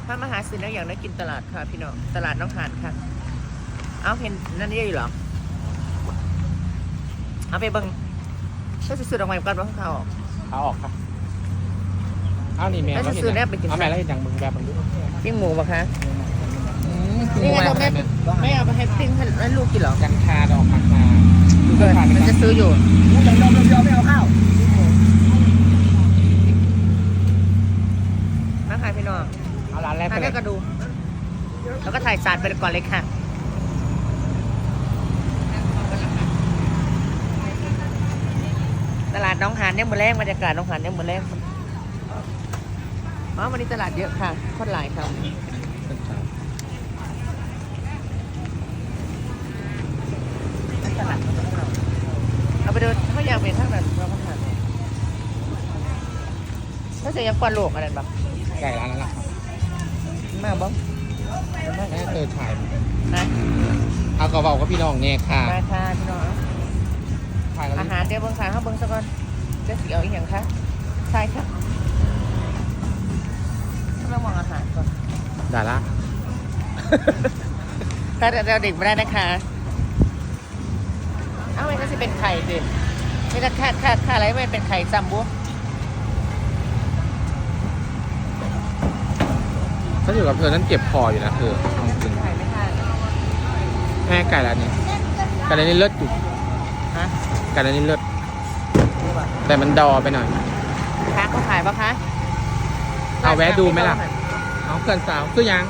ถ้ามาหาซื้อแล้วอย่างได้กินตลาดค่ะพี่น้องตลาดน้องหานค่ะเอาเห็นนั่นนี่อยู่หรอเอาไปเบิ้งถ้าจะซื้อดอกไม้ก่อนว่าเขาออกขาออกครับเอานี่แม่ถ้าจะซื้อแนบไปกินเอาแม่แล้วเห็นอย่างมึงแบบมึงดูปิ้งหมูปะคะนี่ไงเราไม่เอาไปให้ปิ้งให้ลูกกินหรอกันคาดอกมาคาเกิดมันจะซื้ออยู่เดี๋ยวไม่เอาข้าวมาขายพี่น้องเอาร้านแรกไปถ่ายเลแค่ยกระดูแล้วก็ถ่ายสาดไปก่อนเลยค่ะตลาดน้องหานเนี่ยมือแรกบรรยากาศน้องหานเนี่ยมือแรกอ๋อวันนี้ตลาดเยอะค่ะคนหลายค่ะตลาดเอาไปดูถ้าอยากเป็นทั้งนั้นเราก็ทานถ้าจะยังกวนโลกอะไรแบบไก่ร้านนั้นแหละครับมาบ้างแม่เธอถ่ายนะเอากระเป๋ากับพี่น้องเนี่ยค่ะมาค่ะพี่น้องถ่ายแล้วอาหารเดี๋ยวเบิ้งขาเขาเบิ้งซะก่อนเดี๋ยวสิเอาอีกอย่างคะใช่ค่ะเรามองอาหารก่อนด่าละถ้าเราเด็กไม่ได้นะคะเอ้ามันก็จะเป็นไข่สิไม่ต้องค่าอะไรไม่เป็นไข่ซัมบุถ้าอยู่กับเธอนั้นเจ็บคออยู่นะเธอเอาจริงไข่ไม่ทานแม่ไก่ร้านนี้ไก่ร้านนี้เลิศอยู่ฮะไก่ร้านนี้เลิศดูป่ะแต่มันดอไปหน่อยคะเขาขายปะคะเอาแวะดูไหมล่ะ เอาเกินสาวคือยัง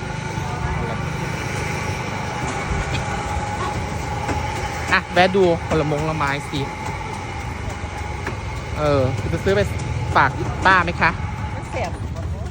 อ่ะแวะดูผลไม้สิจะซื้อไปฝากป้าไหมคะมันเสียบ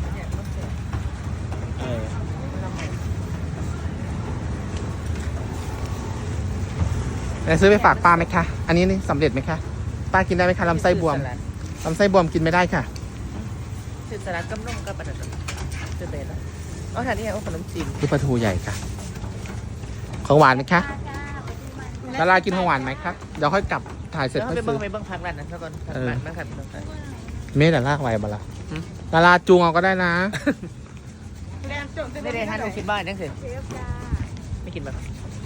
จะซื้อไปฝากป้าไหมคะ อันนี้นี่สำเร็จไหมคะ ป้ากินได้ไหมคะลำไส้บวมลำไส้บวมกินไม่ได้ค่ะสื่อสลัดกำนุ่มกับประดับสื่อเบนแล้วอ๋อทานนี่ไงขนมจีนคือปลาทูใหญ่ค่ะ ของหวานไหมคะดารากินของหวานไหมคะเดี๋ยวค่อยกลับถ่ายเสร็จแล้วค่อยไปเบิ้ซื้งอไปเบิ้งพักร้านนั้นซะก่อนมาค่ะพี่น้องค่ะเมดาราไว้บ้าละดาราจูงเอาก็ได้นะไม่ได้ทาน60 บาทนั่นสิไม่กินแบบ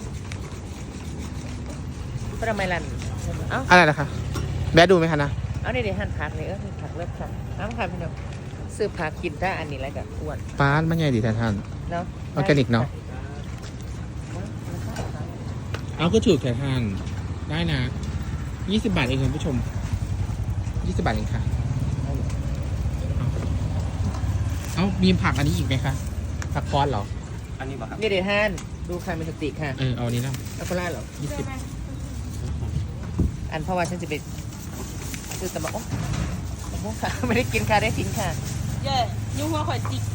ก็ทำไมรันเอ้าอะไรนะคะแวะดูไหมคะนะเอานี่เดี๋ยวหั่นผักเลยผักเลิศค่ะน้ำค่ะพี่น้องซื้อผักกินถ้าอันนี้อะไรกับอ้วนป้านมันใหญ่ดีแท้ท่านเนาะออร์แกนิกเนาะ เอาก็ถูกแค่ท่านได้นะ20 บาทเองคุณผู้ชม20 บาทเองค่ะ เอามีผักอันนี้อีกไหมคะผักคอสเหรออันนี้ป่ะครับนี่เดี๋ยวทานดูใครมีสติค่ะเอาอันนี้นะแล้วก็ล่าเหรอ 20 อันเพราะว่าฉันจะไปซื้อตะบะโอ้ตะบะค่ะ ไม่ได้กินค่ะได้ทิ้งค่ะเย่ยุ่งหัวข่อยจิก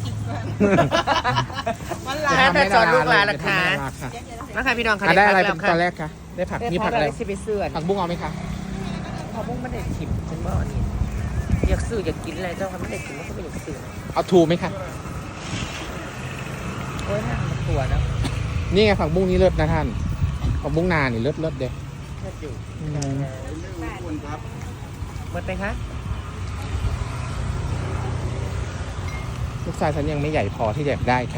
มันลาถ้าสอนลูกหลานล่ะคะค่ะมาค่ะพี่น้องค่ะได้อะไรผัเป็นแล้วตอนแรกคะได้ผักมีผักอะไรสิไปซื้อผักบุ้งเอาไหมคะผักบุ้งไม่ได้ชิมฉันบอกอันนี้อยากซื้ออยากกินอะไรเจ้าค่ะไม่ได้กินแล้วก็ไม่อยากซื้อเอาทูไหมคะโอ้ยน่ามันตัวนะนี่ไงผักบุ้งนี่เลิศนะท่านผักบุ้งนานี่เลิศเด้อเลิศอยู่อืมหมดไปคะลูกชายฉันยังไม่ใหญ่พอที่จะได้ค่ะ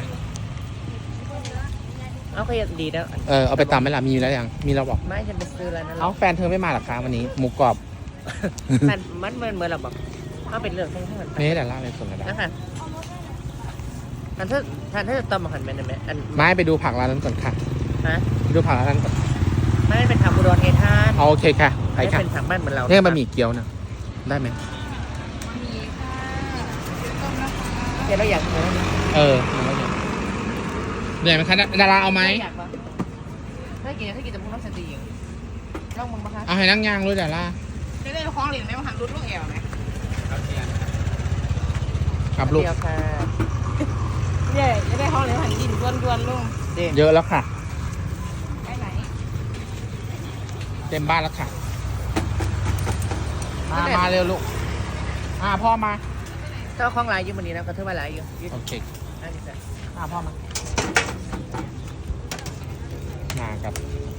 เอาก็ยังดีแล้วเอาไปตำไหมล่ะมีแล้วยังมีแล้วบอกไม่ฉันไปซื้อแล้วนั่นแหเอาละแฟนเธอไม่มาหรอคะวันนี้หมูกรอบมันเหมือนเราบอกเอาเป็นเรื่องทั้งนั้นเมสแต่ละอะไรส่วนกระดาษนะคะอันถ้าจะต้มมาหันเป็นไหมอันไม่ไปดูผักร้านนั้นก่อนค่ะฮะไปดูผักร้านนั้นก่อนไม่เป็นผักบุรอนไงท่านเอาโอเคค่ะไปไม่ค่ะเป็นผักบ้านเหมือนเราเนี่ยบะหมี่เกี๊ยวนะได้ไหมเดี๋ยวเราอยากเนื้อเหนื่อยไหมคะดาราเอาไหมอยากปะถ้ากินจะพูดน้ำสตีอย่างลองมึงปะคะเอาให้นั่งยางเลยดาราได้ได้คล้องเหรียญไหมมาหันรุดลูกแอวไหมครับลูกเดียวค่ะเย่จะได้คล้องเหรียญหันดินดวนลุงเด็กเยอะแล้วค่ะไปไหนเต็มบ้านแล้วค่ะมาเร็วลูกพ่อมาเจ้าของหลายอยู่วันนี้นะก็เท่าว่าหลายอยู่โอเคอันนี้จ้ะพ่อมาครับ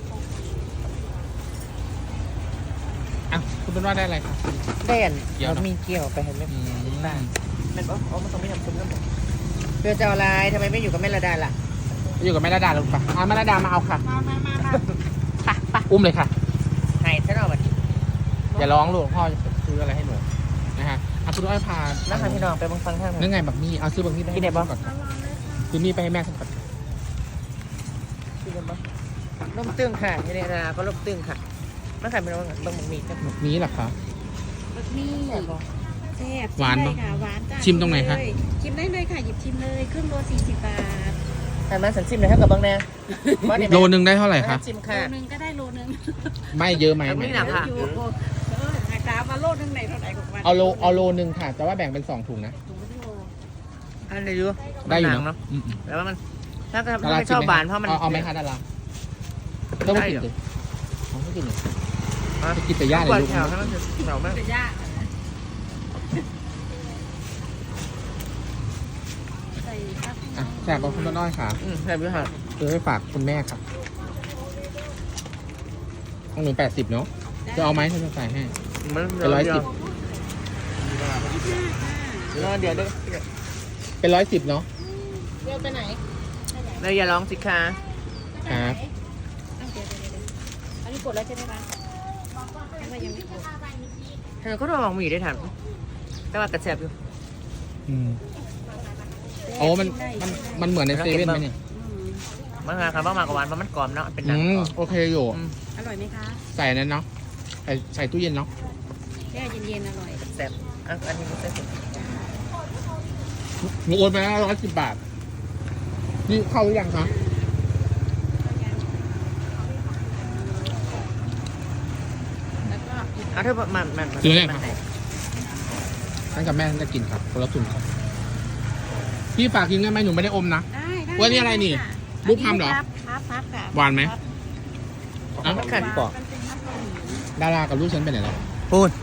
คุณเป็นว่าได้อะไรครับเด่นเกี่ยวเราเนอะมีเกี่ยวไปเห็นไหมบ้านมันบอกมันต้องไม่ทำซุ้มน้ำมันเพื่อจะเอาอะไรทำไมไม่อยู่กับแม่ระดาล่ะอยู่กับแม่ระดาลงไปแม่ระดามาเอาค่ะมาอุ้มเลยค่ะให้ฉันเอาบัตรอย่าร้องลูกพ่อจะซื้ออะไรให้หนูนะฮะเอาคุณอ้อยพานั่งทางพี่น้องไปบังฟังท่านนั่นไงบักมี่เอาซื้อบักมี่ไปกินได้ปะก่อนซื้อมี่ไปให้แม่ฉันก่อนกินได้ปะล่มตึงค่ะที่นี่นะก็ล่มตึงค่ะไม่ขายเป็นว่าบางมีครับบักมี่เหรอคะนี่แซ่บบ่แซ่บหวานปะค่ะหวานจ้ะชิมตรงไหนคะชิมได้เลยค่ะหยิบชิมเลยครึ่งโล40 บาทแต่มาสันซิมเลยให้กับบางแน่โลนึงได้เท่าไหร่คะซิมโลค่ะนึงก็ได้โลนึงไม่เยอะไหมเอาไม่หนัก ค่ะอยู่ราคามาโลนึงไหนเท่าไหร่ของมันเอาโลนึงค่ะ แต่ว่าแบ่งเป็น2ถุงนะถุงละโลอันไหนดูได้อยู่หนังเนาะเนาะแต่ว่ามันถ้าดาไม่ราชอบกิหวานเพราะมันเอาไหมคะดาราต้องไม่กินเลยไม่กินเลยไปกินแต่ย่าเลยก่อนลูกแถวให้มันแถวมากเป็นยากใส่ครับอ่ะแจกกับคุณน้อยค่ะใช่พี่ค่ะซื้อไปฝากคุณแม่ครับของหนู80เนาะจะเอาไหมฉันจะใส่ให้มันเป็น110 เดี๋ยวเป็น110เนาะเร็วไปไหนเลยอย่าร้องสิคะครับอันนี้กดแล้วใช่ไหมคะยังว่ายังไม่กดเธอก็ต้องลองมีได้ทันแต่ว่ากระแสบอยู่อืมโอ้มันเหมือนในเซเว่นไหมเนี่ยมันมาครับว่ามากกว่าหวานเพราะมันกรอบเนาะเป็นหนัอืงมโอเคอยู่อร่อยไหมคะใส่นั้นเนาะใส่ตู้เย็นเนาะแช่เย็นๆอร่อยกระแสบอันนี้มันจะสุดหนูโอนไปแล้ว110 บาทนี่เข้าหรือยังคะแล้วก็เอาเธอมันฉันกับแม่ฉันจะกินครับคนละถุงครับพี่ฝากกินได้ไหมหนูไม่ได้อมนะได้ว่านี่อะไรนี่ลูกทำเหรอพับค่ะหวานไหม อ่ะมันขัดปอกมันเป็นพับเกาหลีดารากับลูกฉันไปไหนแล้วพูด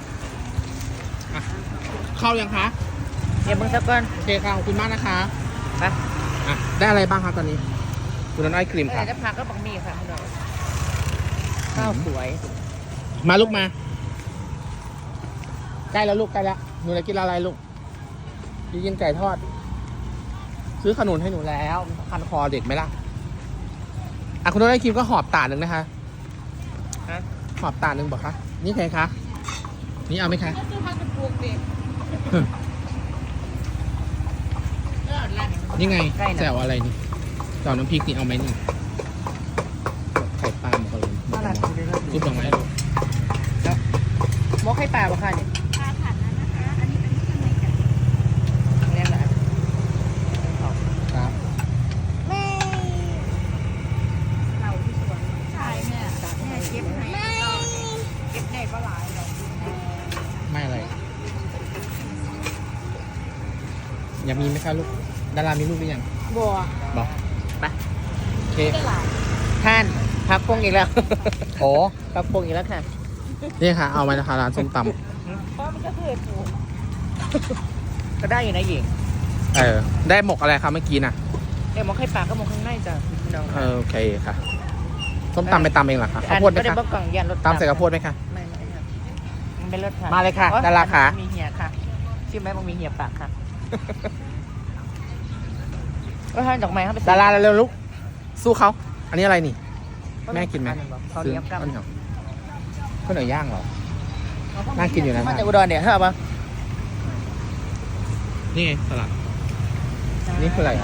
เข้ายังคะเดี๋ยวมึงสักก่อนโอเคค่ะขอบคุณมากนะคะไปอ่ะได้อะไรบ้างครับตอนนี้ คุณน้อยครีมเมื่อค่ะไหร่จะพักก็บังมีค่ะพี่น้องข้าวสวยมาลูกมา ใกล้แล้วลูกใกล้แล้วหนูจะกินอะไรลูกจะกินไก่ทอด ซื้อขนุนให้หนูแล้วคันคอเด็กไหมล่ะอ่ะคุณน้อยครีมก็หอบตาหนึ่งนะคะฮะหอบตาหนึ่งบอกคะนี่ใครคะนี่เอาไหมคะก็คือพับเป็นพวงเด็กนี่ไงใกล้นะแจ่วอะไรนี่แจ่วน้ำพริกนี่เอาไหมนี่ไข่ปลาหมกกระโหลกน่ารักซุปดอกไม้ลูกมกให้ปลาบ่ค่ะเนี่ยปลาผัดนั้นนะคะ อันนี้เป็นเครื่องในไก่เรียกอะไรครับเราที่สวนใช่แม่แม่เก็บให้เก็บได้ก็หลายดอกไม่อะไรอยากมีไหมคะลูกดารามีลูกหรือยังบัวบอกไปโอเคได้หลายท่านพักพงอีกแล้วโอ้พักพงอีกแล้วค่ะนี่ค่ะ เอามานะคะร้านส้มตเพราะมันก็คือปลูกก็ได้อยู่นะหญิงำได้หมกอะไรคะเมื่อกี้น่ะเดี๋ยวมกให้ปลาก็มกข้างในจ้ะพี่น้องค่ะโอเคค่ะส้มตำไปตำเองเหรอคะข้าวโพดไหมก็ได้คะบอกกล่องยันรถตำใส่ข้าวโพดไหมคะไม่ค่ะมันเป็นรถค่ะมาเลยค่ะโอ๊ดาราค่ะมีเหี่ยค่ะชื่อไหมมันมีเหี่ยปากค่ะก็ให้ดอกไม้เข้าไปดาราเร็วๆลูกสู้เขาอันนี้อะไรนี่ แม่กินไหมเขาวเหนียวกับข้าวเหนียวข้าวเหนียวย่างเหรอ น่ากินอยู่นะมาจากอุดรเนี่ยเธอเอาปะนี่ไงสลัดนี่คืออะไรอ่ะ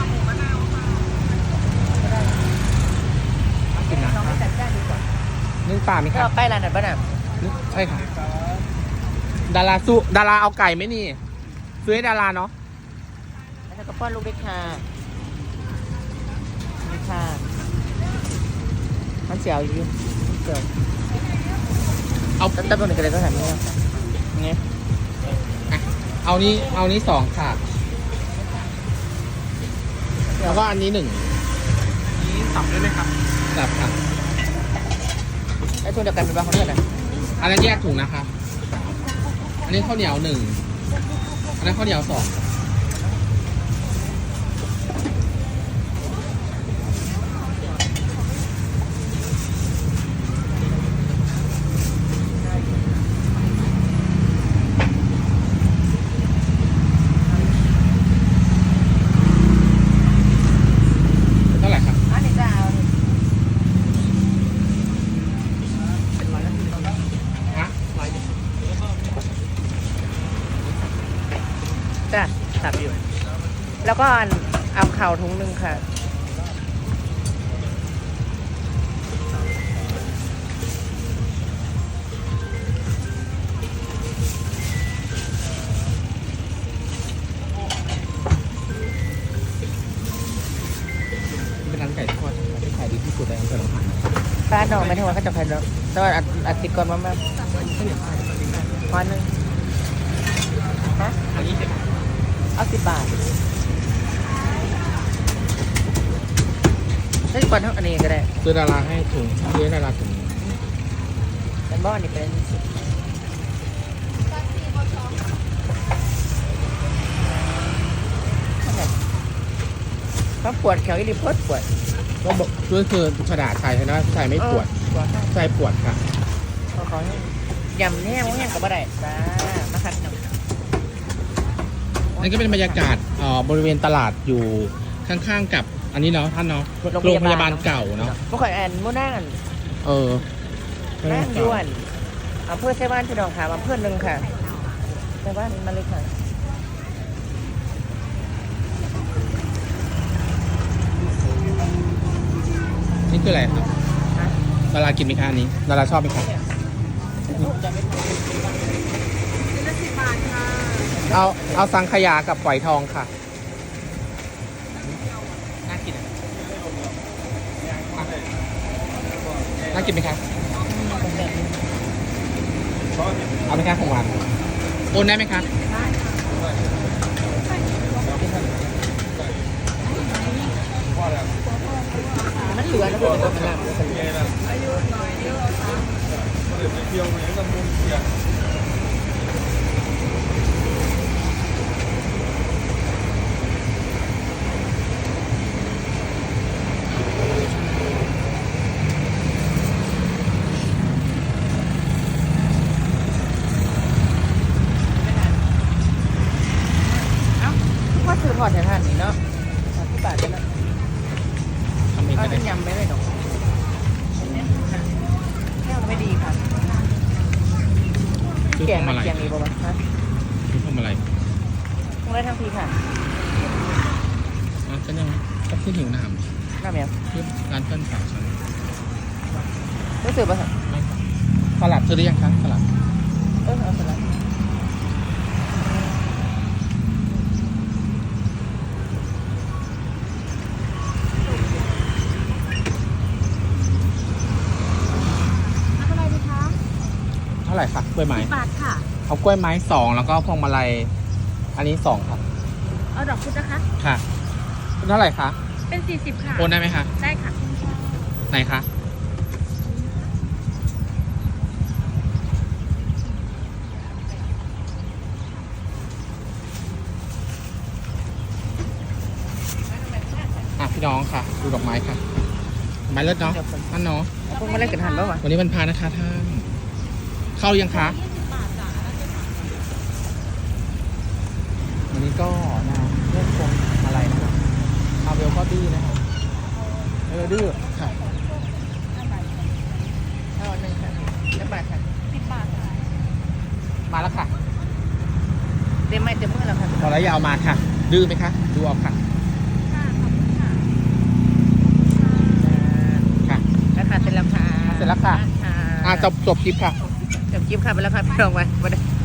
น่ากินนะลองไปจัดจ้านดูก่อนนึ่งปลาไหมเธอครับเอาไปร้านไหนบ้างน่ะใช่ค่ะดาราสู้ดาราเอาไก่ไหมนี่ซื้อให้ดาราเนาะแล้วเธอก็ป้อนลูกด้วยค่ะนี่ค่ะมันเสียวอยู่เสียวเอาตั้งแต่ตัวหนึ่งก็เลยก็ทำนี่ไงเอานี้2ค่ะแล้วก็อันนี้1นี้สับได้ไหมครับสับค่ะไอ้ตัวเดียวกันเป็นบ้าเขาเลือดอ่ะอันนั้นแยกถุงนะคะ อันนี้ข้าวเหนียว1อันนั้นข้าวเหนียว2 แล้วก็เอาข่าวถุงหนึ่งค่ะเป็นร้านไก่ทอดที่ขายดีที่สุดในอำเภอหนองหานป้าดอกไม่ทั้งวันก็จะแผ่นดอกแต่ว่าอัดติดก่อนมากๆวันหนึ่งฮะอันนี้จะเอา10 บาทได้ก่อนเท่าอันนี้ก็ได้ซื้อดาราให้ถุงซื้อดาราถุงแต่บ้านนี่เป็นถ้าปวดแขวอีหลีปวดก็บอกคือกระดาษชายนะชายไม่ปวดปวดชายปวดค่ะขอยำแห้งแห้งกับบ่ได้จ้ามาคัดหนึ่งนั่นก็เป็นบรรยากาศบริเวณตลาดอยู่ข้างๆกับอันนี้เนาะท่านเนาะโรงพยาบาลเก่าเนาะพวกข่อยแอนมู่นั่งเออนั่งยวนอำเภอไชบ้านพี่น้องค่ะอำเภอหนึ่งค่ะไชบ้านมาเลยค่ะนี่คืออะไรครับดารากินไหมคะอันนี้ดาราชอบไหมคะชิ้นละ10 บาทค่ะเอาสังขยากับฝอยทองค่ะน่ากินอ่ะน่ากินไหมคะเอาไหมคะของหวานโอนได้ไหมคะมันเหลือนะเพื่อนมันหลัง พ่อซื้อทอดแทนท่านนี่เนาะที่บาทกันนะทำเองก็ก็ได้เป็นยำไม่ได้หรอกแค่ไม่ดีค่ะซื้อแกพงวงมาลัยแกงนี้ป่าวะฮะซื้อพวงมาลัยคงได้ทั้งทีค่ะอ๋อก็ยังก็ที่หิวน้น้ำยังำที่ร้านเพื่อนสาวฉันรู้สึกป่ะคะไม่ค่ะสลัดซื้อได้ยังคะสลัดเอาเสร็จแล้วทำอะไรดีคะเท่าไหร่คะกล้วยไม้ 10 บาทค่ะเอากล้วยไม้2แล้วก็พวงมาลัยอันนี้2ครับเอาดอกพุธนะคะค่ะเท่าไหร่คะเป็น40ค่ะโอนได้ไหมคะได้ค่ะไหนคะอ่ะพี่น้องค่ะ ดูดอกไม้ค่ะดอกไม้เลิศเนาะนั่นเนาะเอาพวกมาเล่นกันทันป่าวะวันนี้วันพานะคะท่าน เข้ายังคะ 20 บาทจ้ะวันนี้ก็นะเรื่องพวงอะไรนะครับอาเวลก็ดื้อนะครับดื้อค่ะเอาหนึ่งค่ะแล้วบาทค่ะ 10 บาทค่ะมาแล้วค่ะเต็มไม่เต็มมือแล้วค่ะพอแล้วอยาวมาค่ะ ดื้อไหมคะ ดูเอาค่ะค่ะขอบคุณค่ะค่ะแล้วค่ะเสร็จแล้วค่ะเสร็จแล้วค่ะค่ะจบคลิปค่ะจบคลิปค่ะไปแล้วค่ะพี่น้องไป